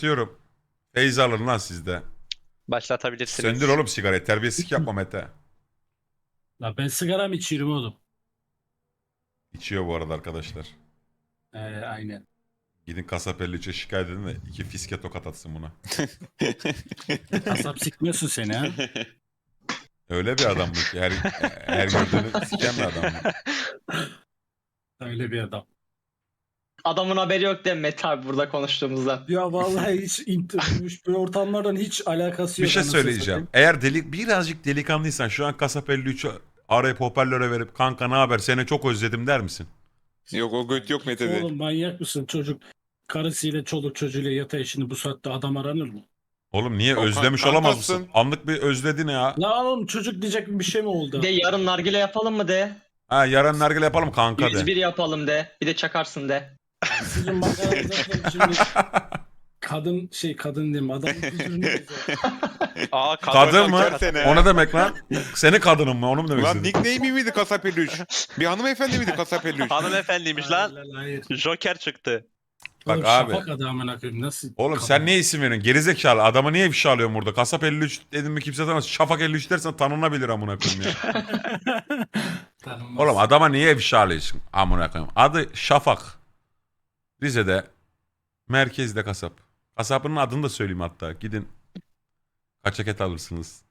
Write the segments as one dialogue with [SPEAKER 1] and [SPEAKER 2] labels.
[SPEAKER 1] Diyorum. Feyz alın lan sizde.
[SPEAKER 2] Başlatabilirsiniz.
[SPEAKER 1] Söndür oğlum sigarayı. Terbiyesizlik yapma Mete.
[SPEAKER 3] La ben sigaram içiyorum oğlum.
[SPEAKER 1] İçiyor bu arada arkadaşlar.
[SPEAKER 3] Aynen.
[SPEAKER 1] Gidin kasap 53'e şikayet edin de 2 fiske tokat atsın buna.
[SPEAKER 3] Kasap sikmiyorsun seni ha.
[SPEAKER 1] Öyle bir adam bu ki her gördüğünü siken bir adam bu.
[SPEAKER 3] Öyle bir adam.
[SPEAKER 2] Adamın haberi yok değil mi Mete abi burada konuştuğumuzdan?
[SPEAKER 3] Ya vallahi hiç bu ortamlardan hiç alakası
[SPEAKER 1] Bir
[SPEAKER 3] yok.
[SPEAKER 1] şey
[SPEAKER 3] anasını
[SPEAKER 1] söyleyeceğim.
[SPEAKER 3] satayım.
[SPEAKER 1] Eğer birazcık delikanlıysan şu an kasap 53'ü arayıp hoparlöre verip kanka ne haber seni çok özledim der misin?
[SPEAKER 4] Yok o göt yok Mete'de.
[SPEAKER 3] Oğlum manyak mısın çocuk? Karısıyla çoluk çocuğuyla yatağı şimdi bu saatte adam aranır mı?
[SPEAKER 1] Oğlum niye
[SPEAKER 4] O
[SPEAKER 1] özlemiş
[SPEAKER 4] kankasın.
[SPEAKER 1] olamaz mısın? Anlık bir özledin ya.
[SPEAKER 3] La oğlum çocuk diyecek bir şey mi oldu?
[SPEAKER 2] De yarın nargile yapalım mı de?
[SPEAKER 1] Ha yarın nargile yapalım kanka de.
[SPEAKER 2] 101 yapalım de. Bir de çakarsın de.
[SPEAKER 3] Sizin makaranızda şimdi kadın diyeyim adam kültürünü
[SPEAKER 5] Aa
[SPEAKER 1] Kadın mı?
[SPEAKER 4] Sene.
[SPEAKER 1] O ne demek lan? Seni kadınım mı? Onu mu demek
[SPEAKER 4] Lan
[SPEAKER 1] istedin?
[SPEAKER 4] nickname miydi Kasap 53? Bir hanımefendi miydi Kasap 53?
[SPEAKER 5] Hanımefendiymiş lan.
[SPEAKER 3] Hayır.
[SPEAKER 5] Joker çıktı.
[SPEAKER 1] Bak
[SPEAKER 3] Oğlum,
[SPEAKER 1] abi.
[SPEAKER 3] Şafak adamına koyayım nasıl?
[SPEAKER 1] Oğlum
[SPEAKER 3] kadın?
[SPEAKER 1] sen niye isim veriyorsun? Gerizekalı. Adamı niye ifşa alıyorsun burada? Kasap 53 dedim mi kimse tanımaz. Şafak 53 dersen tanınabilir amına koyayım ya.
[SPEAKER 3] Tanınmaz.
[SPEAKER 1] Oğlum adama niye ifşa alıyorsun amına koyayım? Adı Şafak. Rize'de. Merkezde kasap. Kasabının adını da söyleyeyim hatta. Gidin. Kaçak et alırsınız.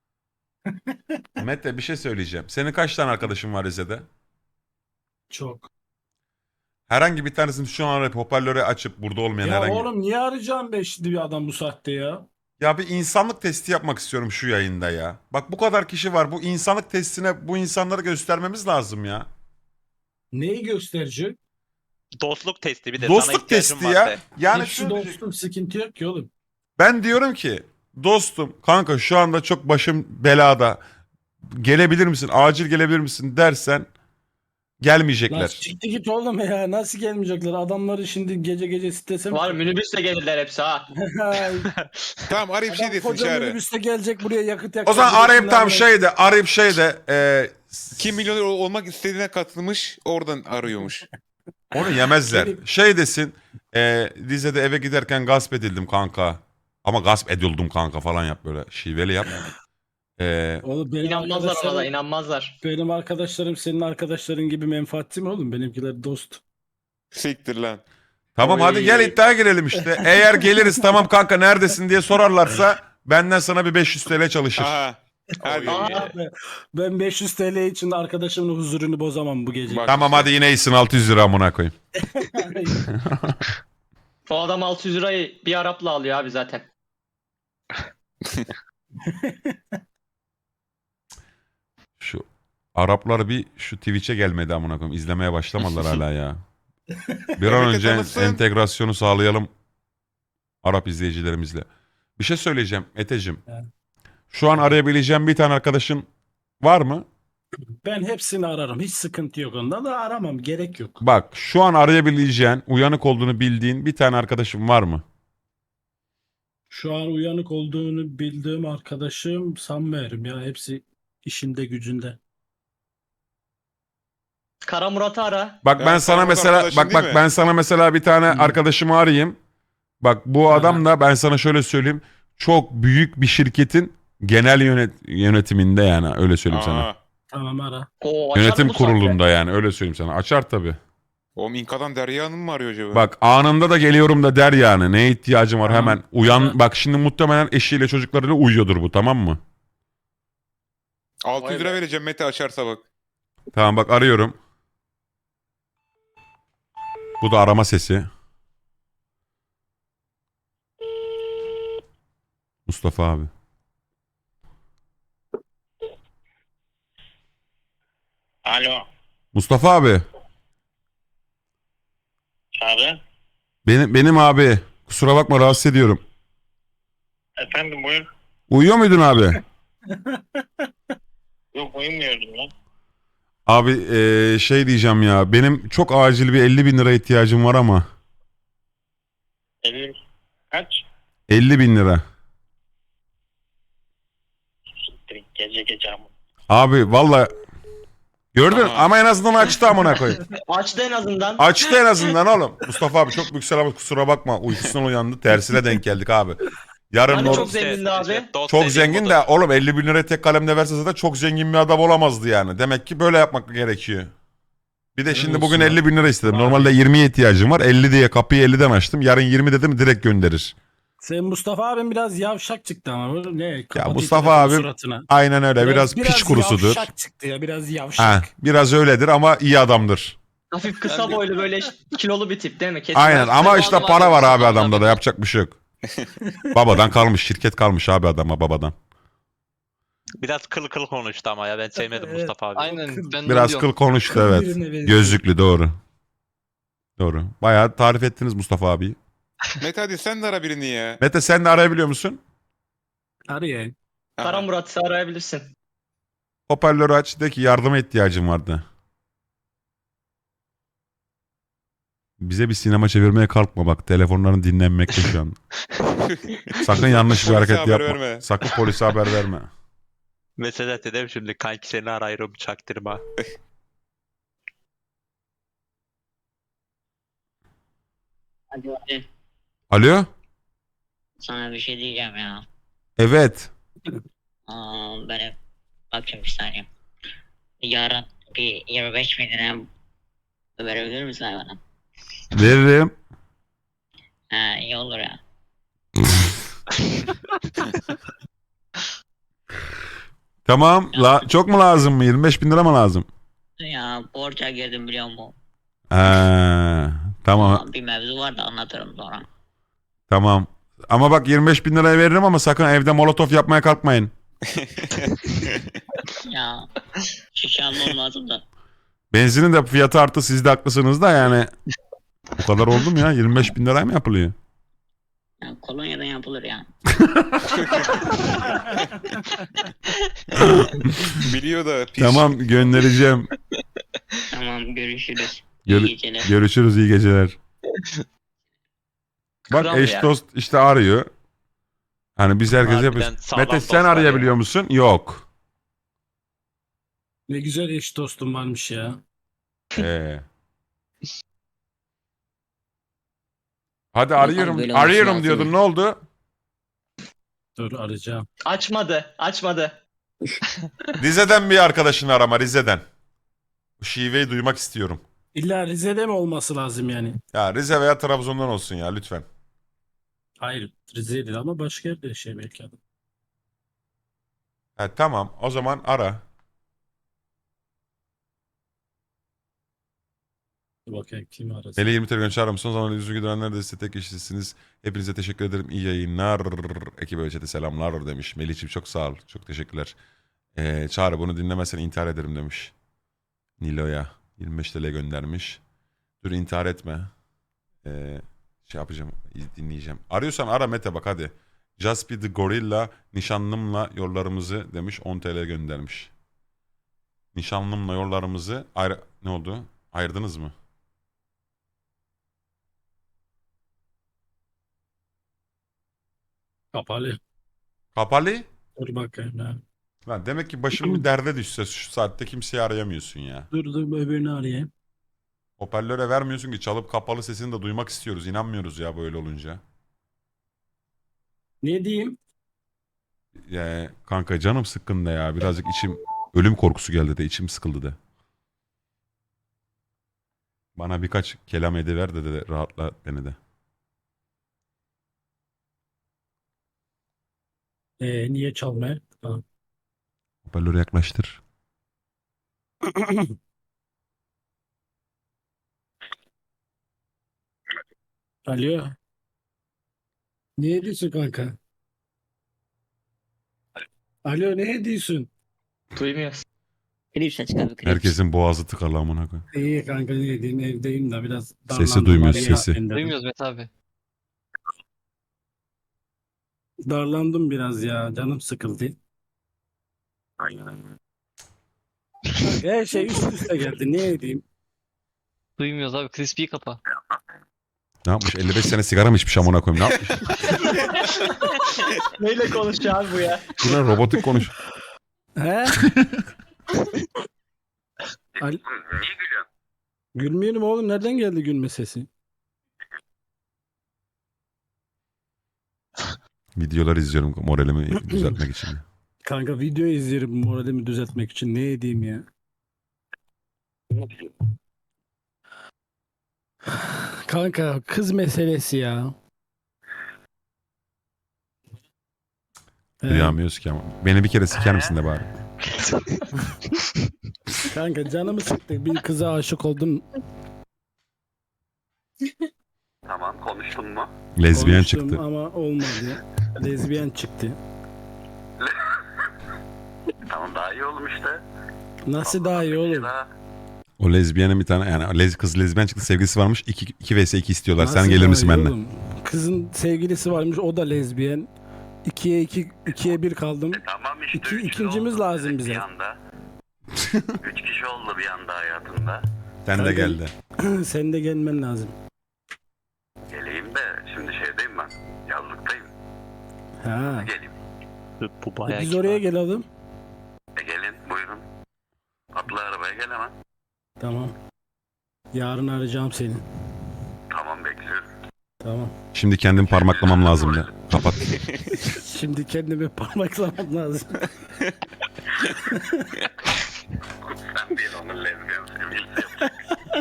[SPEAKER 1] Mete bir şey söyleyeceğim. Senin kaç tane arkadaşın var Rize'de?
[SPEAKER 3] Çok.
[SPEAKER 1] Herhangi bir tanesini şu an arayıp hoparlörü açıp burada olmayan
[SPEAKER 3] Ya
[SPEAKER 1] herhangi...
[SPEAKER 3] oğlum niye arayacağım be şimdi bir adam bu saatte ya?
[SPEAKER 1] Ya bir insanlık testi yapmak istiyorum şu yayında ya. Bak bu kadar kişi var. Bu insanlık testine bu insanları göstermemiz lazım ya.
[SPEAKER 3] Neyi gösterecek?
[SPEAKER 5] Dostluk testi bir de sana
[SPEAKER 1] Dostluk
[SPEAKER 5] ihtiyacım
[SPEAKER 1] testi
[SPEAKER 5] var
[SPEAKER 1] ya.
[SPEAKER 5] de.
[SPEAKER 1] Yani
[SPEAKER 3] Hepsi
[SPEAKER 1] şunu diyecek-
[SPEAKER 3] dostum sıkıntı yok ki oğlum.
[SPEAKER 1] Ben diyorum ki dostum kanka şu anda çok başım belada. Gelebilir misin? Acil gelebilir misin dersen
[SPEAKER 3] Lan
[SPEAKER 1] gelmeyecekler.
[SPEAKER 3] çıktı git oğlum ya nasıl gelmeyecekler adamları şimdi gece gece strese mi?
[SPEAKER 2] Var minibüsle gelirler hepsi ha.
[SPEAKER 4] Tamam arayıp şey
[SPEAKER 3] Adam
[SPEAKER 4] desin
[SPEAKER 3] koca
[SPEAKER 4] çağrı.
[SPEAKER 3] minibüste gelecek buraya yakıt
[SPEAKER 1] O
[SPEAKER 3] yakacak.
[SPEAKER 1] zaman arayıp tam
[SPEAKER 3] Birisinin
[SPEAKER 1] şeyde
[SPEAKER 4] Kim milyoner olmak istediğine katılmış oradan arıyormuş.
[SPEAKER 1] onu yemezler.
[SPEAKER 3] Benim-
[SPEAKER 1] Şey desin Rize'de eve giderken gasp edildim kanka. Ama gasp edildim kanka falan yap böyle şiveli yap.
[SPEAKER 3] Oğlum benim
[SPEAKER 2] İnanmazlar ona da
[SPEAKER 3] arkadaşlarım,
[SPEAKER 2] inanmazlar.
[SPEAKER 3] benim arkadaşlarım senin arkadaşların gibi menfaatçi mi oğlum? Benimkiler dost.
[SPEAKER 4] Siktir lan.
[SPEAKER 1] Tamam
[SPEAKER 4] Oy.
[SPEAKER 1] hadi gel iddiaya girelim işte. Eğer geliriz tamam kanka neredesin diye sorarlarsa benden sana bir 500 TL çalışır.
[SPEAKER 4] Aha. Hadi.
[SPEAKER 2] Aa,
[SPEAKER 3] Ben 500 TL için arkadaşımın huzurunu bozamam bu gece.
[SPEAKER 4] Bak
[SPEAKER 1] Tamam
[SPEAKER 4] işte.
[SPEAKER 1] hadi yine iyisin 600 lira amına koyayım.
[SPEAKER 2] o adam 600 lirayı bir Arap'la alıyor abi zaten.
[SPEAKER 1] Şu Araplar bir şu Twitch'e gelmedi amına koyayım. İzlemeye başlamadılar hala ya. Bir an
[SPEAKER 4] Evet,
[SPEAKER 1] önce
[SPEAKER 4] tanısın.
[SPEAKER 1] entegrasyonu sağlayalım Arap izleyicilerimizle. Bir şey söyleyeceğim Eteciğim.
[SPEAKER 3] Evet.
[SPEAKER 1] Şu an arayabileceğim bir tane arkadaşın var mı?
[SPEAKER 3] Ben hepsini ararım. Hiç sıkıntı yok ondan da aramam. Gerek yok.
[SPEAKER 1] Bak şu an arayabileceğin, uyanık olduğunu bildiğin bir tane arkadaşın var mı?
[SPEAKER 3] Şu an uyanık olduğunu bildiğim arkadaşım sanmıyorum ya. Hepsi işinde gücünde.
[SPEAKER 2] Kara Murat'ı ara.
[SPEAKER 1] Bak ben
[SPEAKER 4] Ben
[SPEAKER 1] sana
[SPEAKER 4] sana
[SPEAKER 1] mesela
[SPEAKER 4] arkadaşın
[SPEAKER 1] bak
[SPEAKER 4] değil mi?
[SPEAKER 1] ben sana mesela bir tane
[SPEAKER 3] Hı.
[SPEAKER 1] arkadaşımı arayayım. Bak bu
[SPEAKER 3] Aha.
[SPEAKER 1] adam da ben sana şöyle söyleyeyim. Çok büyük bir şirketin genel yönetiminde yani öyle söyleyeyim sana.
[SPEAKER 4] Aa.
[SPEAKER 3] Tamam ara.
[SPEAKER 2] Oo, açar
[SPEAKER 1] Yönetim
[SPEAKER 2] bu saatte.
[SPEAKER 1] kurulunda yani öyle söyleyeyim sana. Açar tabii.
[SPEAKER 4] Oğlum İnka'dan Derya Hanım mı arıyor acaba?
[SPEAKER 1] Bak anında da geliyorum da der yani. Neye ihtiyacım var
[SPEAKER 3] Tamam.
[SPEAKER 1] hemen. Uyan
[SPEAKER 3] Ara.
[SPEAKER 1] bak şimdi muhtemelen eşiyle çocuklarıyla uyuyordur bu tamam mı?
[SPEAKER 4] 600 lira vereceğim Mete açarsa bak.
[SPEAKER 1] Tamam bak arıyorum. Bu da arama sesi. Mustafa abi.
[SPEAKER 6] Alo,
[SPEAKER 1] Mustafa abi.
[SPEAKER 6] Çağrı.
[SPEAKER 1] Benim abi. Kusura bakma rahatsız ediyorum.
[SPEAKER 6] Efendim buyur.
[SPEAKER 1] Uyuyor muydun abi?
[SPEAKER 6] Yok uyumuyordum lan.
[SPEAKER 1] Abi şey diyeceğim ya. Benim çok acil bir 50 bin lira ihtiyacım var ama.
[SPEAKER 6] 50 kaç?
[SPEAKER 1] 50 bin lira.
[SPEAKER 6] Gece gece ama.
[SPEAKER 1] Abi valla Gördün
[SPEAKER 4] Aha.
[SPEAKER 1] ama en azından açtı amına koyayım.
[SPEAKER 2] Açtı en azından.
[SPEAKER 1] Açtı en azından oğlum. Mustafa abi çok büyük selam, kusura bakma. Uykusundan uyandı. Tersine denk geldik abi. Yarın
[SPEAKER 2] Hani
[SPEAKER 1] nor-
[SPEAKER 2] çok zengindi abi.
[SPEAKER 1] çok zengin de oğlum 50 bin liraya tek kalemde verse zaten çok zengin bir adam olamazdı yani. Demek ki böyle yapmak gerekiyor. Bir de
[SPEAKER 3] Helal
[SPEAKER 1] şimdi
[SPEAKER 3] olsun
[SPEAKER 1] bugün
[SPEAKER 3] ya.
[SPEAKER 1] 50 bin lira istedim.
[SPEAKER 3] Abi.
[SPEAKER 1] Normalde 20'ye ihtiyacım var. 50 diye kapıyı 50'den açtım. Yarın 20 dedim direkt gönderir.
[SPEAKER 3] Sen Mustafa abim biraz yavşak çıktı ama. Bu ne? Kapatıyor
[SPEAKER 1] Mustafa
[SPEAKER 3] telefonu
[SPEAKER 1] abim
[SPEAKER 3] suratına.
[SPEAKER 1] Aynen öyle. Biraz piç kurusudur.
[SPEAKER 3] Yavşak çıktı ya biraz yavşak.
[SPEAKER 1] Ha, biraz öyledir ama iyi adamdır.
[SPEAKER 2] Hafif kısa boylu böyle kilolu bir tip değil mi? Kesin
[SPEAKER 1] Aynen
[SPEAKER 2] biraz-
[SPEAKER 1] ama
[SPEAKER 7] Ben
[SPEAKER 1] işte
[SPEAKER 7] onu
[SPEAKER 1] para var
[SPEAKER 7] anlamadım.
[SPEAKER 1] abi adamda da yapacak bir şey yok. Babadan kalmış, şirket kalmış abi adama babadan.
[SPEAKER 5] Biraz kıl kıl konuştu ama ya ben sevmedim
[SPEAKER 3] Evet.
[SPEAKER 5] Mustafa abi.
[SPEAKER 7] Aynen ben de
[SPEAKER 1] Biraz
[SPEAKER 7] diyorum.
[SPEAKER 1] kıl konuştu
[SPEAKER 3] Kıl
[SPEAKER 1] evet.
[SPEAKER 3] birine benziyor.
[SPEAKER 1] Gözlüklü doğru. Doğru. Bayağı tarif ettiniz Mustafa abi.
[SPEAKER 4] Mete hadi sen de ara birini ya.
[SPEAKER 1] Mete sen de arayabiliyor musun?
[SPEAKER 3] Arayayım.
[SPEAKER 2] Kara
[SPEAKER 4] Aha.
[SPEAKER 2] Murat'ı arayabilirsin.
[SPEAKER 1] Hoparlörü aç de ki yardıma ihtiyacım vardı. Bize bir sinema çevirmeye kalkma bak. Telefonların dinlenmekte şu an. Sakın yanlış bir
[SPEAKER 4] Polise
[SPEAKER 1] hareket
[SPEAKER 4] haber
[SPEAKER 1] yapma.
[SPEAKER 4] verme.
[SPEAKER 1] Sakın polise haber verme.
[SPEAKER 5] Mesaj dedim şimdi kanki seni arıyorum çaktırma.
[SPEAKER 8] Hadi hadi.
[SPEAKER 1] Alo?
[SPEAKER 8] Sana bir şey diyeceğim ya.
[SPEAKER 1] Evet.
[SPEAKER 8] Böyle bakayım bir saniye. Yarın bir 25 bin lira verebilir misin bana?
[SPEAKER 1] Veririm.
[SPEAKER 8] Ha iyi olur ya.
[SPEAKER 1] Tamam. Çok mu lazım mı? 25 bin lira mı lazım?
[SPEAKER 8] Ya borca girdim biliyor musun?
[SPEAKER 1] Tamam.
[SPEAKER 8] Bir mevzu var da anlatırım sonra.
[SPEAKER 1] Tamam. Ama bak 25 bin liraya veririm ama sakın evde molotof yapmaya kalkmayın.
[SPEAKER 8] Ya şişe almam lazım da.
[SPEAKER 1] Benzinin de fiyatı arttı, siz de haklısınız da yani. Bu kadar oldu mu ya? 25 bin liraya mı yapılıyor?
[SPEAKER 8] Ya kolonyadan yapılır ya.
[SPEAKER 4] Biliyor da piç.
[SPEAKER 1] Tamam göndereceğim.
[SPEAKER 8] Tamam görüşürüz.
[SPEAKER 1] Gör-
[SPEAKER 8] İyi geceler.
[SPEAKER 1] Görüşürüz, iyi geceler. Bak
[SPEAKER 2] Kral
[SPEAKER 1] eş
[SPEAKER 2] ya.
[SPEAKER 1] dost işte arıyor. Hani biz herkese
[SPEAKER 5] Harbiden
[SPEAKER 1] yapıyoruz.
[SPEAKER 5] sağlam
[SPEAKER 1] Mete sen
[SPEAKER 5] dostlar
[SPEAKER 1] arayabiliyor
[SPEAKER 5] ya.
[SPEAKER 1] musun? Yok.
[SPEAKER 3] Ne güzel eş dostum varmış ya.
[SPEAKER 1] Hadi arıyorum.
[SPEAKER 8] böyle olması
[SPEAKER 1] Arıyorum
[SPEAKER 8] lazım.
[SPEAKER 1] diyordun, ne oldu?
[SPEAKER 3] Dur arayacağım.
[SPEAKER 2] Açmadı.
[SPEAKER 1] Rize'den bir arkadaşını arama, Rize'den. Bu şiveyi duymak istiyorum.
[SPEAKER 3] İlla Rize'de mi olması lazım yani?
[SPEAKER 1] Ya Rize veya Trabzon'dan olsun ya lütfen.
[SPEAKER 3] Hayır Rize değil ama başka yerde yaşıyor belki adam.
[SPEAKER 1] Tamam o zaman ara.
[SPEAKER 3] Dur bakayım kim arasın.
[SPEAKER 1] Melih 20 TL göndermiş mısın? O zaman yüzü güdenler de size tek kişisiniz. Hepinize teşekkür ederim. İyi yayınlar. Ekibe ve chat'e selamlar demiş. Melih'ciğim çok sağ ol. Çok teşekkürler. Çağrı bunu dinlemezsen intihar ederim demiş. Nilo'ya 25 TL göndermiş. Dur intihar etme. Şey yapacağım, dinleyeceğim. Arıyorsan ara Mete bak hadi. Jaspi the Gorilla nişanlımla yollarımızı demiş 10 TL göndermiş. Nişanlımla yollarımızı ne oldu? Ayırdınız mı?
[SPEAKER 3] Kapalı.
[SPEAKER 1] Kapalı?
[SPEAKER 3] Dur bakayım ya.
[SPEAKER 1] Lan demek ki başım bir derde düşse şu saatte kimseyi arayamıyorsun ya.
[SPEAKER 3] Dur öbürünü arayayım.
[SPEAKER 1] Hoparlöre vermiyorsun ki çalıp kapalı sesini de duymak istiyoruz. İnanmıyoruz ya böyle olunca.
[SPEAKER 3] Ne diyeyim?
[SPEAKER 1] Kanka canım sıkkın da ya. Birazcık içim ölüm korkusu geldi de içim sıkıldı da. Bana birkaç kelam ediver de rahatla beni de.
[SPEAKER 3] Niye çalmaya? Tamam.
[SPEAKER 1] Hoparlörü yaklaştır.
[SPEAKER 3] Alo. Ne diyorsun kanka? Alo ne diyorsun?
[SPEAKER 2] Duymuyoruz.
[SPEAKER 8] Klipse çıkar bir klips.
[SPEAKER 1] Herkesin boğazı tıkalı amına koyayım.
[SPEAKER 3] İyi kanka ne diyeyim evdeyim de biraz
[SPEAKER 1] Sesi
[SPEAKER 3] darlandım,
[SPEAKER 1] duymuyoruz,
[SPEAKER 3] arayayım
[SPEAKER 1] sesi.
[SPEAKER 3] dedim.
[SPEAKER 7] Duymuyoruz Mete abi.
[SPEAKER 3] Darlandım biraz ya canım sıkıldı. Her şey üst üste geldi ne edeyim?
[SPEAKER 7] Duymuyoruz abi. Crispy'yi kapa.
[SPEAKER 1] Ne yapmış? 55 sene sigara mı içmiş amına koyayım? Ne yapmış?
[SPEAKER 2] Neyle konuşuyor abi bu ya?
[SPEAKER 1] Şuna robotik konuş.
[SPEAKER 3] He? Niye gülüyorsun? Gülmüyorum oğlum. Nereden geldi gülme sesi?
[SPEAKER 1] Videolar izliyorum moralimi düzeltmek için.
[SPEAKER 3] Kanka video izlerim moralimi düzeltmek için. Ne edeyim ya? Kanka kız meselesi ya.
[SPEAKER 1] Duyamıyoruz ki ama. Beni bir kere siker misin de bari.
[SPEAKER 3] Kanka canımı sıktı. Bir kıza aşık oldum.
[SPEAKER 9] Tamam, konuştun mu?
[SPEAKER 1] Lezbiyen
[SPEAKER 3] Konuştum
[SPEAKER 1] çıktı.
[SPEAKER 3] ama olmadı. Lezbiyen çıktı.
[SPEAKER 9] Tamam, daha iyi oğlum işte.
[SPEAKER 3] Nasıl daha iyi olur?
[SPEAKER 1] O lezbiyenin bir tane yani kız lezbiyen çıktı sevgilisi varmış. 2 vs 2 istiyorlar.
[SPEAKER 3] Nasıl
[SPEAKER 1] Sen gelir
[SPEAKER 3] daha
[SPEAKER 1] misin
[SPEAKER 3] iyi
[SPEAKER 1] benimle?
[SPEAKER 3] oğlum? Kızın sevgilisi varmış, o da lezbiyen. 2'ye 1 kaldım.
[SPEAKER 9] Tamam işte.
[SPEAKER 3] İki-
[SPEAKER 9] üç
[SPEAKER 3] ikincimiz
[SPEAKER 9] oldu
[SPEAKER 3] lazım
[SPEAKER 9] bir
[SPEAKER 3] bize.
[SPEAKER 9] anda. 3 kişi oldu bir anda hayatında.
[SPEAKER 1] Sen de
[SPEAKER 3] Kanka-
[SPEAKER 1] geldi.
[SPEAKER 3] Sen de gelmen lazım.
[SPEAKER 9] Geleyim de şimdi şeydeyim ben. Yazlıktayım.
[SPEAKER 3] Ha.
[SPEAKER 9] Geleyim.
[SPEAKER 5] Bu bayağı
[SPEAKER 3] Biz
[SPEAKER 5] kibar.
[SPEAKER 3] oraya gelelim.
[SPEAKER 9] Gelin buyurun. Atla arabaya gel hemen.
[SPEAKER 3] Tamam. Yarın arayacağım seni.
[SPEAKER 9] Tamam, bekliyorum.
[SPEAKER 3] Tamam.
[SPEAKER 1] Şimdi kendim parmaklamam lazım ya. Kapat.
[SPEAKER 3] Şimdi kendimi parmaklamam lazım.
[SPEAKER 9] Sen değil, onun lezbiyen sevgilisi yapacak.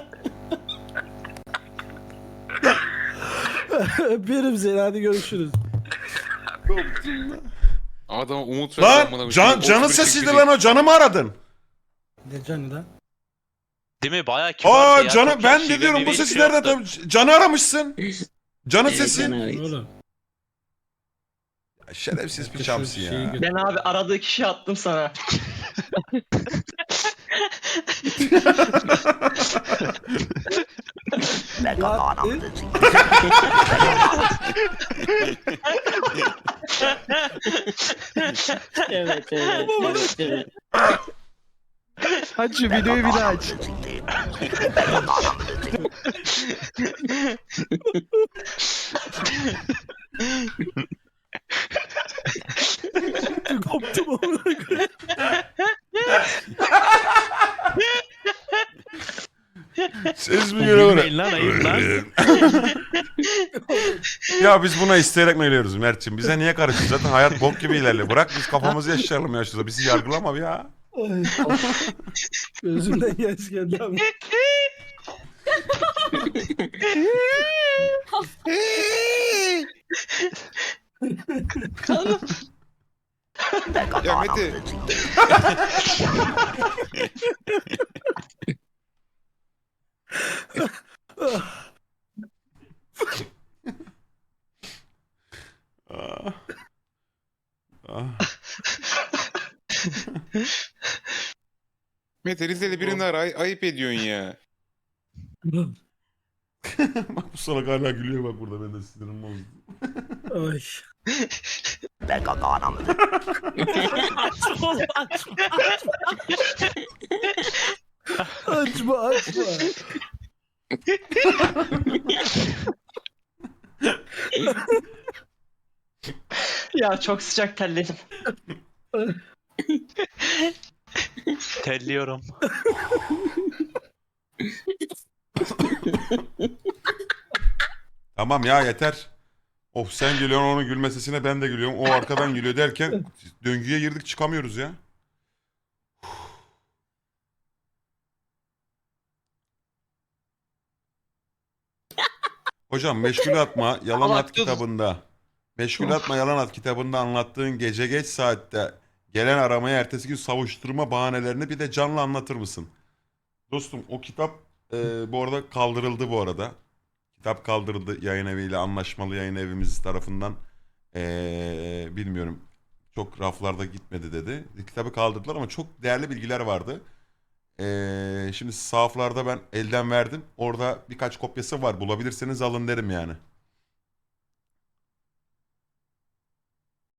[SPEAKER 3] Öpüyorum seni, hadi görüşürüz.
[SPEAKER 4] Adama umut ver.
[SPEAKER 1] Lan canın sesiydi lan o. Canı mı aradın?
[SPEAKER 3] Ne canı lan?
[SPEAKER 5] Değil mi? Bayağı kibar.
[SPEAKER 1] Aa canı ben de diyorum bu sesi nereden tabii. Canı aramışsın. Canın sesi.
[SPEAKER 3] Oğlum.
[SPEAKER 1] Şerefsiz bir
[SPEAKER 3] Şu
[SPEAKER 1] çamsın
[SPEAKER 3] şeyi
[SPEAKER 1] ya.
[SPEAKER 3] gö-
[SPEAKER 2] Ben abi aradığı kişi attım sana.
[SPEAKER 8] Evet evet. evet, evet.
[SPEAKER 7] Aç şu videoyu bir daha aç.
[SPEAKER 3] Koptum amına koyayım.
[SPEAKER 1] Ses mi geliyor
[SPEAKER 7] Gülmeyin lan, ayıp lan.
[SPEAKER 1] Ya biz buna isteyerek mi geliyoruz Mert'ciğim? Bize niye karışıyorsun? Zaten hayat bok gibi ilerliyor. Bırak biz kafamızı yaşayalım ya şurada. Bizi yargılama ya.
[SPEAKER 3] Ay, gözümden yaş geldi abi.
[SPEAKER 4] Ya Mete.
[SPEAKER 1] Ah. Ah.
[SPEAKER 4] Mete Rize'li birini ara, ayıp ediyorsun ya.
[SPEAKER 1] Bak bu salak hala gülüyor bak burada. Ben de sinirim bozdu.
[SPEAKER 3] Ay. Açma açma.
[SPEAKER 2] Ya çok sıcak terledim.
[SPEAKER 5] Telliyorum.
[SPEAKER 1] Tamam ya yeter. Of sen gülüyorsun onun gülme sesine ben de gülüyorum. O arkadan gülüyor derken döngüye girdik çıkamıyoruz ya. Hocam Meşgul Atma Yalan
[SPEAKER 2] Allah
[SPEAKER 1] At
[SPEAKER 2] dur.
[SPEAKER 1] kitabında Meşgul Atma Yalan At kitabında anlattığın gece geç saatte gelen aramaya ertesi gün savuşturma bahanelerini bir de canlı anlatır mısın? Dostum o kitap bu arada kaldırıldı bu arada. Kitap kaldırıldı yayın eviyle anlaşmalı yayın evimiz tarafından. Bilmiyorum çok raflarda gitmedi dedi. Kitabı kaldırdılar ama çok değerli bilgiler vardı. Şimdi sahaflarda ben elden verdim. Orada birkaç kopyası var. Bulabilirseniz alın derim yani.